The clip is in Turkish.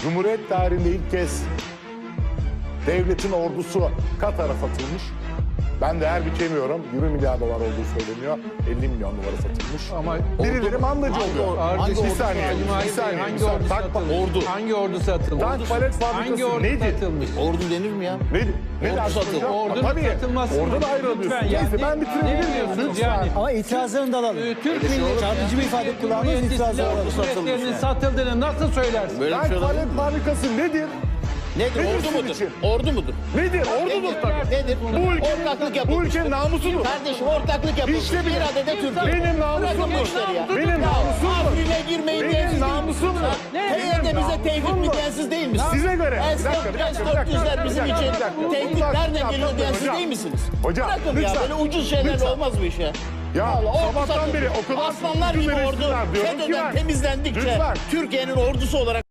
Cumhuriyet tarihinde ilk kez devletin ordusu Katar'a satılmış. Ben değer biçemiyorum. 20 milyar dolar olduğu söyleniyor. 50 milyon dolara satılmış. Ama birileri mandacı oluyor. Bir saniye. Hangi ordu satılmış? Tank palet Hangi fabrikası ordu nedir? satılmış? Ordu denir mi ya? Ne Ordu satıldı. Ordunun Tabii. satılması mı? Orada da ayrı Lütfen alıyorsun. ya. Neyse ben bitirebilir Ne miyim? diyorsunuz Lütfen. yani? Ama itirazlarını da alalım. Türk milleti çarpıcı bir ifade kullandınız, itirazı Ordu oldu. kuvvetlerinin satıldığını nasıl söylersin? Böyle bir Tank şey olabilir palet mi? fabrikası nedir? Nedir? Nedir Ordu sizin mudur? için? Ordu mudur? Nedir? Ordudur tabii. Nedir? Ortaklık Bu yapılmıştır. ülkenin namusudur. Kardeşim ortaklık yapılmıştır. İşte bir adede Türkiye. Benim Bırakın namusumdur. bu işleri ya. Benim namusumdur. Afrin'e girmeyin Benim diyensiz namusumdur. TYT bize tehdit mi diyensiz değil misiniz? Size göre. Bir dakika, S-400'ler bizim için tehdit nereden geliyor diyensiz değil misiniz? Hocam, Bırakın ya lütfen. böyle ucuz şeylerle Lütfen. olmaz bu iş ya. Ya Vallahi ordu sabahtan satıldı. beri o kadar Aslanlar gibi ucuz ordu eleştiriler diyorum ki FETÖ'den ben. temizlendikçe Lütfen. Türkiye'nin ordusu olarak